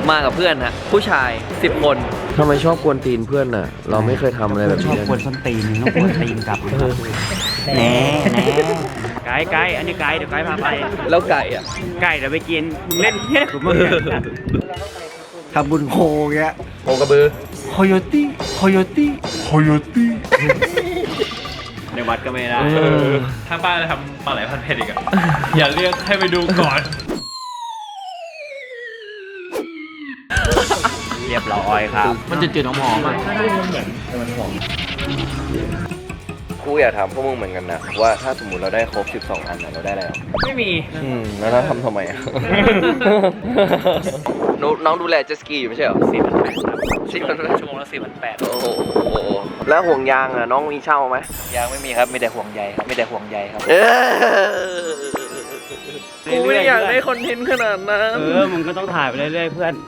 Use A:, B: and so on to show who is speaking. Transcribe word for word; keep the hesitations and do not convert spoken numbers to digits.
A: มากับเพื่อนฮะผู้ชายสิบคนทำไมชอบกวนตีนเพื่อนน่ะเราไม่เคยทำอะไรแบบ
B: ชอ
A: นี้
B: บกวนส้นตีนต้องกวนตีนกลับแหน่แหน่ไก่ไก่อันนี้ไก่เดี๋ยวไก่พาไป
A: แล้วไก่อ่ะ
B: ไก่เดี๋ยวไปกินมึงเล่นเฮ้ยกูมึงทำบุญโคเงี้ย
A: โอกระบือ
B: โคโยตี้โคโยตี้โคโยตี้ในวัดก็ไม่ได้
C: ถ้าป้าจะทำปลาไหลพันเผ็ดอีกอะอย่าเรียกให้ไปดูก่อน
B: เรียบร้อยครับ
A: มันจะจืดหอมๆอ่ะกูอยากถามพวกมึงเหมือนกันนะว่าถ้าสมมติเราได้ครบสิบสองอันน่ะเราได้อะไรอ่ะ
B: ไม่มี
A: อืมแล้วเราทำทำไมอ่ะ น้องน้องดูแลเจตสกีอยู่ไม่ใช่เหรอ
B: สี่พันแปดครับ
A: สี่พัน
B: ชั่วโมงละสี่พันแปด
A: โอ้โหแล้วห่วงยางอ่ะน้องมีเช่าไหม
B: ยังไม่มีครับมีแต่ห่วงใยครับมีแต่ห่วงใยครับ
A: เออกูไม่ได้อยากได้คอนเทนต์ขนาดนั้น
B: เออมึงก็ต้องถ่ายไปเรื่อยๆเพื่อน